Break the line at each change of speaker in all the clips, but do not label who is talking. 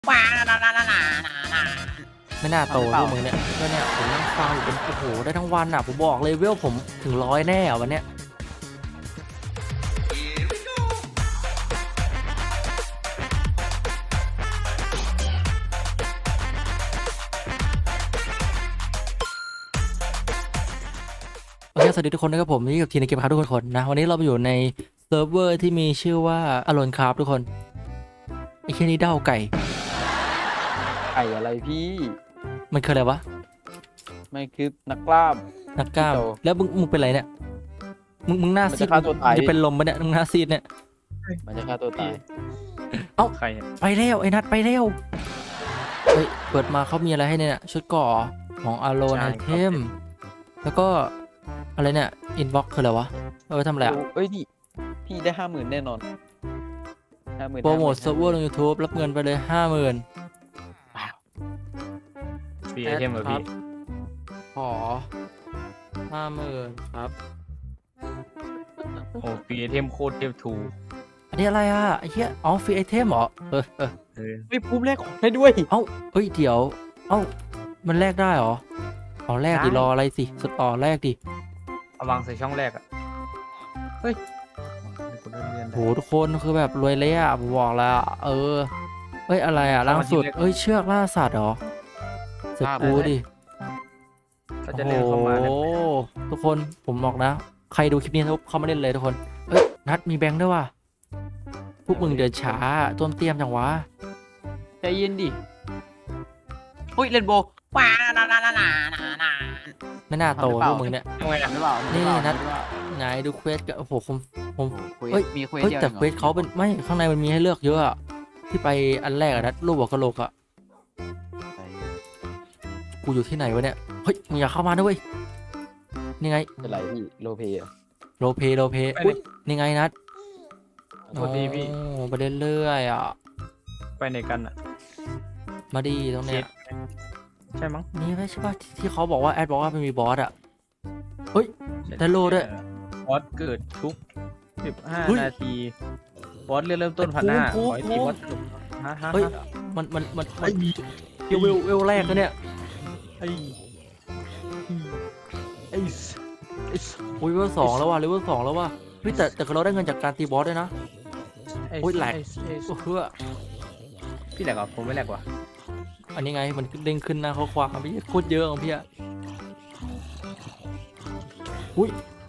ว้า
ไม่น่าโตพวกมึงเนี่ยก็เนี่ยผมนั่งฟังอยู่เป็นโอ้โหได้ทั้งวันอ่ะผมบอกเลยเวลผมถึง100แน่อ่ะวันเนี้ยโอเคสวัสดีทุกคนนะครับผมนี่กับทีในเกมครับทุกคนนะวันนี้เราไปอยู่ในเซิร์ฟเวอร์ที่มีชื่อว่าอโลนคราฟทุกคนไอ้แค่นี้เด้าไก่
ไก่อะไรพี่
มันคืออะไรวะ
ไม่คือนักกล้าม
นักกล้าม
พี่โต
แล้วมึงเป็นไรเนี่ยมึงหน้า
มัน
ซี
จะ
ด
ฆ่าตัวตาย
จะเป็นลมปะเนี่ยมึงหน้าซีดเนี่ย
มันจะฆ่าตัวตาย
ใครอะ
ไปเร็วไอ้นัดไปเร็วเฮ้ยเปิดมาเขามีอะไรให้เนี่ยชุดเกราะของอโลนไอเทมแล้วก็อะไรเนี่ยอินบ็อกคืออะไรวะเอาไปทำอะไรอะ
เอ้ยพี่ได้50,000แน่นอน50,000
โปรโมทเซิร์ฟเวอร์ลง YouTube รับเงินไปเลย 50,000
ฟรีไอเทมเหรอพี่
ขอ 50,000 ครับ
โอ้ฟรีไอเทมโคตรเทพทู
อันนี้อะไรอ่ะไอ้เหี้ยอ๋อฟรีไอเทมเหรอ
เออ
ไม่ภูมิแรกของให้ด้วย
เฮ้ยเดี๋ยวเอ้ามันแลกได้เหรออ๋อแลกดิรออะไรสิสุดต่อแลกดิ
เอาวางใส่ช่องแรกอ่ะเฮ้ยกูได้เรียน
โหทุกคนคือแบบรวยเลยอ่ะผมบอกแล้วอะเฮ้ยอะไรอ่ะล่าสุดเอ้ยเชือกล่าสัตว์เหรอเสร็จกูดิ
เขาจะเล่นเข้ามา
โอ้
เนี่ย
โหทุกคนผมบอกนะ ใครดูคลิปนี้ทุกเข้ามาเล่นเลยทุกคนเอ้ยนัดมีแบงค์ด้วยว่ะพวกมึงเดินช้าต้นเตรียมจังวะ
ใจเย็นดิอุ้ยเลนโบ
ว้า
ไม่น่าโตพวกมึงเนี่ย
ทำไงอ่ะ
หรือเปล่า
นี่
หรือเปล่า
นัด ไหนดูเควสกันโอ้โหผม
เฮ้
เฮ้
ย
ย
มีเควส
เฮ้ย
เดียว
แต่
องหรอ
เควสเขาเป็นไม่ข้างในมันมีให้เลือกเยอะอะที่ไปอันแรกอะนัดรูปหัวกะโหลกอะกูอยู่ที่ไหนวะเนี่ยเฮ้ยมึงอย่าเข้ามาด้วยนี่ไง
เป็นไรพี่โลเพย์
โรลเพย์อุ๊ยนี่ไงนัด
สวัสดีพี่
โอ้ไปเรื่อยๆอ่ะ
ไปไหนกันอ่ะ
มาดีตรงเนี้ย
ใช่มั้ง
นี่ไม่ใช่ป่ะที่เขาบอกว่าแอดบอกว่ามันมีบอสอ่ะเฮ้ย ได้โล่ด้วย
บอสเกิดทุก
เฮ้ย
15 นาทีบอสเริ่มต้น1,500
ภู
ข
มิ
อให้ตีบอสจบฮะ
เฮ้ยมันเวลแรกนะเนี่ย
ไอ้ไอ้
อุ้ยเวลสองแล้วว่ะเลเวล2แล้วว่ะเฮ้ยแต่เราได้เงินจากการตีบอสด้วยนะ โอ้ยแหลก โอ้เฮ้อ
พี่แหลกเหรอผมไม่แหลกว่ะ
อันนี้ไงมันเด้งขึ้นหน้าข้อความพี่โคตรเยอะของพี่อะอุ้ย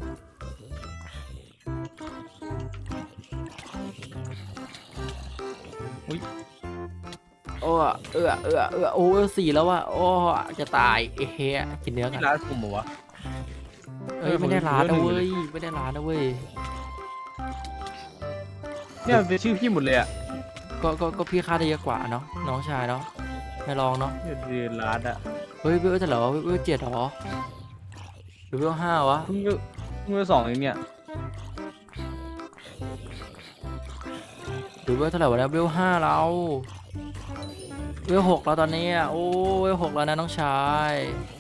โอ้โอ้เวล4แล้วว่ะโอ้จะตายเฮ้ยกินเนื้อกั
พี่
น
ร้านผมเหรอวะ
เอ้ยไม่ได้ร้านนะเว้ยไม่ได้ร้านนะเว้ย
เนี่ยมันเป็นชื่อพี่หมดเลยอ่ะ
ก็พี่ค่าได้เยอะกว่าเนาะน้องชายเนาะไม่ลองเนาะ
เนี่ยเดือนร้านอ่ะ
เฮ้ยเวลจะเหรอเวล7เหรอหรือเวล5วะ
เพิ่ง2เองเนี่ย
หรือเวลเท่าไหร่วะเนี่ยเวล5เราเวล6แล้วตอนนี้อะโอ้เวล6แล้วนะน้องชาย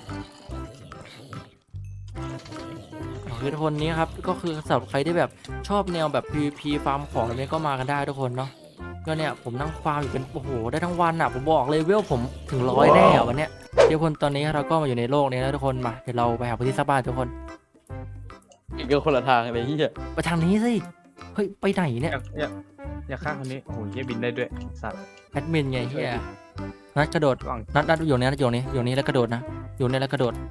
คือทุกคนนี้ครับก็คือสำหรับใครที่แบบชอบแนวแบบ PVP ฟาร์มของอะไรนี้ก็มากันได้ทุกคนเนาะก็เนี่ยผมนั่งฟาร์มอยู่เป็นโอ้โหได้ทั้งวันอ่ะผมบอกเลยเวลผมถึง100แน่อะวันเนี้ยเดี๋ยวคนตอนนี้เราก็มาอยู่ในโลกนี้แล้วทุกคนมาเดี๋ยวเราไปหาพื้นที่สร้างบ้านทุกคน
อีกก็คนละทางเลยพี่
ไปทางนี้สิเฮ้ยไปไหนเนี่ย
อยากฆ่าคนนี้โอ้โหเยี่ยบินได้ด้วยสัตว์
แอดมินไงเฮียนัดกระโดด
ก่อน
นัดอยู่นี่อยู่นี่แล้วกระโดดนะอยู่นี่แล้วกระโดด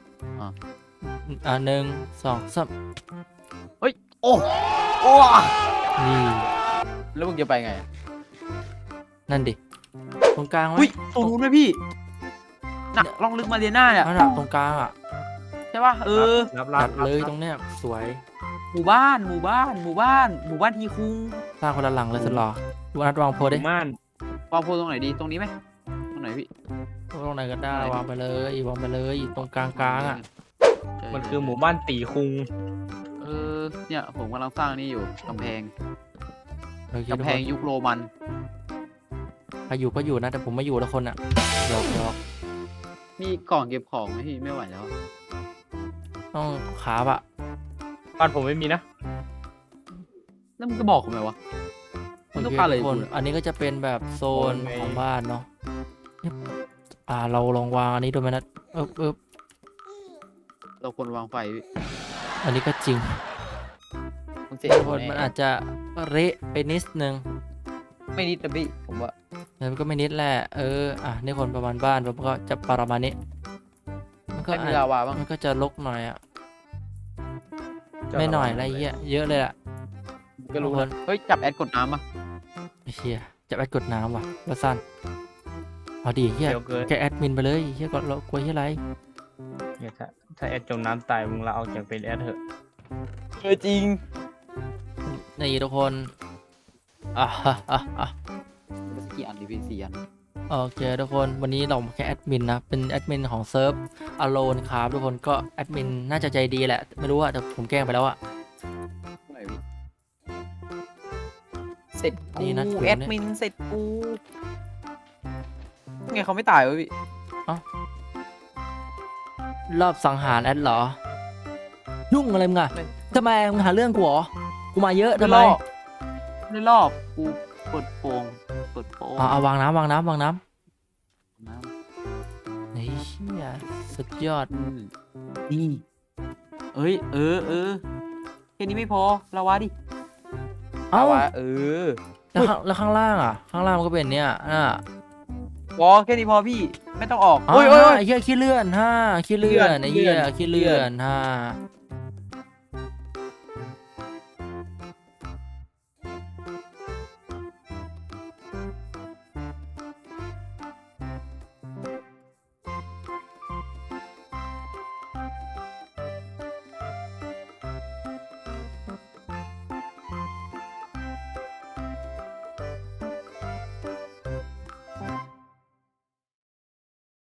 1 2 3
โอ้โอ้
นี่
แล้วมึงจะไปไง
นั่นดิตรงกลาง
อุ้ยตรงนู้นไหมพี่หนักลองลึกมาเรียน่าเนี่ย
นั่นอะตรงกลางอ่ะ
ใช่ป่ะ
รับ
ตัดเลยตรงเนี้ยสวย
หมู่บ้านทีคุง
สร้างคนละหลังเลยสุดหรอดูนัดวางโพสดิ
ม่าน
วางโพลตรงไหนดีตรงนี้ไหมตรงไหนพี่
ตรงไหนก็ได้วางไปเลยวางไปเลยตรงกลางอ่ะ
มันคือหมู่บ้านตีคุง
เนี่ยผมกำลังสร้างนี่อยู่กำแพง
โอเคทุก
กำแพ
ค
ง
น
ยุคโรมัน
ใครอยู่ก็อยู่นะแต่ผมไม่อยู่แล้วคนอ่ะเดี๋ยว
มีกล่องเก็บของไหมพี่ไม่ไหวแล้ว
ต้องขาบอะ
บ้านผมไม่มีนะ
แล้วมึงก็บอกผมไหมวะ
เอ
มันต้องการอะไร
ทุกคน
กูเนี่ย
อันนี้ก็จะเป็นแบบโซน
โซนไง
ของบ้านเนาะเราลองวางอันนี้ดูไหมนะเอบ
เราควรวางไฟพี่
อันนี้ก็จริง
มันเสร็จ
ทุกคนมันอาจจะเละไปนิดนึง
ไม่นิดนะพี่ผมว่า
แต่มันก็ไม่นิดแหละนี่คนประมาณบ้านผมก็จะประมาณนี้มันก็
ไม่มีลาวาบ้าง
มันก็จะรกหน่อยอ่ะไม่หน่อยอะไรเงี้ยเยอะเลยอ่ะ
ก็รู้
ทุกคน
เฮ้ยจับแอดกดน้ำอ่ะ
ไอ้เชี่ยจะแอดกดน้ำว่ะว่าสั้นเอาดีเฮีย
เดี๋ยวเกิน
แกแอดมินไปเลยเฮียก็เรากลัวเฮียอะไร
เนี่ยถ้าแอดจมน้ำตายมึงลาออกจากเป็นแอดเถอะ
จริง
นี่ทุกคนอ่ะ
กี่อันดิพี่4 อัน
โอเคทุกคนวันนี้เราแค่แอดมินนะเป็นแอดมินของเซิร์ฟอโลนครับทุกคนก็แอดมินน่าจะใจดีแหละไม่รู้อะแต่ผมแกล้งไปแล้วอะ
ไหนพี่เสร็จ
ดีนะ
กู
ถือ
แอ
เนี่ย
ดมินเสร็จกูไงเขาไม่ตายวะพี่
รอบสังหารแอดเหรอ ยุ่งอะไรมึงอะทำไมมึงหาเรื่องกูเหรอกูมาเยอะทำไม
ไม่รอบกูเปิดโปง
เอาวางน้ำ
น้ำ
นี่เชี่ยสุดยอด
นี่เอ้ยแค่นี้ไม่พอลาวาดิ
เอ้า
ลาวา
แล้วข้างล่างอะข้างล่างมันก็เป็นเนี่ย
พอแค่นี้พอพี่ไม่ต้องออก
ไอ้เหี้ยขี้เลื่อนขี้เลื่อนไอ้เหี้ยขี้เลื่อน